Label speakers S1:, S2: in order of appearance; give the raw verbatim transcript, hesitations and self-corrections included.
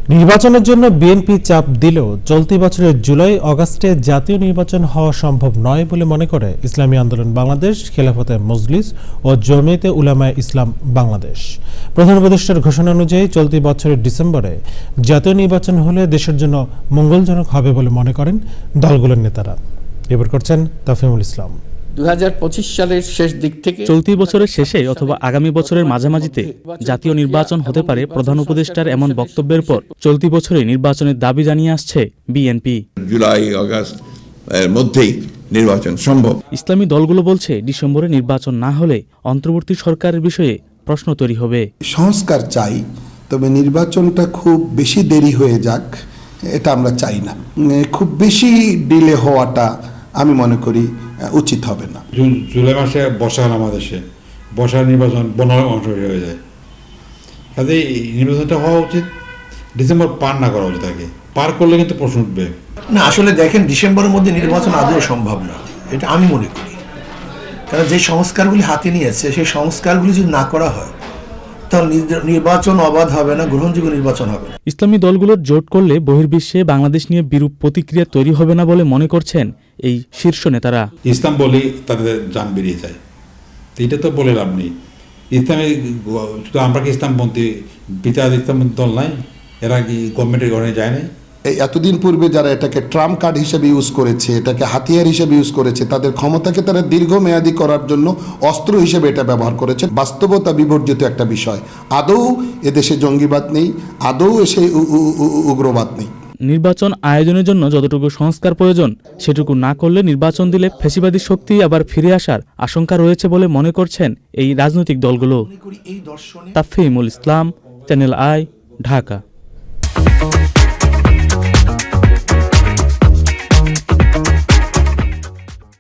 S1: নির্বাচনের জন্য বিএনপি চাপ দিলেও চলতি বছরের জুলাই আগস্টে জাতীয় নির্বাচন হওয়া সম্ভব নয় বলে মনে করে ইসলামী আন্দোলন বাংলাদেশ, খেলাফতে মজলিস ও জমিয়তে উলামায়ে ইসলাম বাংলাদেশ। প্রধান উপদেষ্টার ঘোষণা অনুযায়ী চলতি বছরের ডিসেম্বরে জাতীয় নির্বাচন হলে দেশের জন্য মঙ্গলজনক হবে বলে মনে করেন দলগুলোর নেতারা। রিপোর্ট করছেন তাফহিমুল ইসলাম।
S2: দুই হাজার পঁচিশ সালের শেষ দিক থেকে
S3: চলতি বছরের শেষে অথবা আগামী বছরের মাঝামাঝিতে জাতীয় নির্বাচন হতে পারে প্রধান উপদেষ্টার এমন বক্তব্যের পর চলতি বছরে নির্বাচনের দাবি জানিয়ে আসছে বিএনপি।
S4: জুলাই আগস্ট এর মধ্যেই নির্বাচন সম্ভব।
S3: ইসলামী দলগুলো বলছে ডিসেম্বরে নির্বাচন না হলে অন্তর্বর্তী সরকারের বিষয়ে প্রশ্ন তৈরি হবে।
S5: সংস্কার চাই, তবে নির্বাচনটা খুব বেশি দেরি হয়ে যাক এটা আমরা চাই না। খুব বেশি ডিলে হওয়াটা আমি মনে করি উচিত হবে না।
S6: জুলাই মাসে বর্ষা হল আমাদের দেশে, বর্ষার নির্বাচন পনেরো মাস হয়ে যায়, কাজে নির্বাচনটা হওয়া উচিত। ডিসেম্বর পার না করা উচিত, আগে পার করলে কিন্তু প্রশ্ন উঠবে
S7: না। আসলে দেখেন, ডিসেম্বরের মধ্যে নির্বাচন আদৌ সম্ভব না, এটা আমি মনে করি। কারণ যে সংস্কারগুলি হাতে নিয়েছে সেই সংস্কারগুলি যদি না করা হয় তাহলে নির্বাচন অবাধ হবে না, গ্রহণযোগ্য নির্বাচন হবে না।
S3: ইসলামী দলগুলোর জোট করলে বহির্বিশ্বে বাংলাদেশ নিয়ে বিরূপ প্রতিক্রিয়া তৈরি হবে না বলে মনে করছেন এই শীর্ষ নেতারা।
S6: ইসলাম বলি তাদের জান বেরিয়ে যায়, এটা তো বলে লাভ নেই। ইসলামী শুধু আমরা কি ইসলামপন্থী বিতাদ ইসলামপন্থী দল নাই? এরা কি গভর্নমেন্টের ঘরে যায় নাই?
S5: এই এতদিন পূর্বে যারা এটাকে ট্রাম্প কার্ড হিসেবে ইউজ করেছে, এটাকে হাতিয়ার হিসেবে ইউজ করেছে, তাদের ক্ষমতাকে তারা দীর্ঘমেয়াদী করার জন্য অস্ত্র হিসেবে এটা ব্যবহার করেছে। বাস্তবতা বিবর্জিত একটা বিষয়। আদৌ এদেশে জঙ্গিবাদ নেই, আদৌ এসে উগ্রবাদ নেই।
S3: নির্বাচন আয়োজনের জন্য যতটুকু সংস্কার প্রয়োজন সেটুকু না করলে নির্বাচন দিলে ফ্যাসিবাদী শক্তি আবার ফিরে আসার আশঙ্কা রয়েছে বলে মনে করছেন এই রাজনৈতিক দলগুলো। Tafhimul Islam, channel I, Dhaka.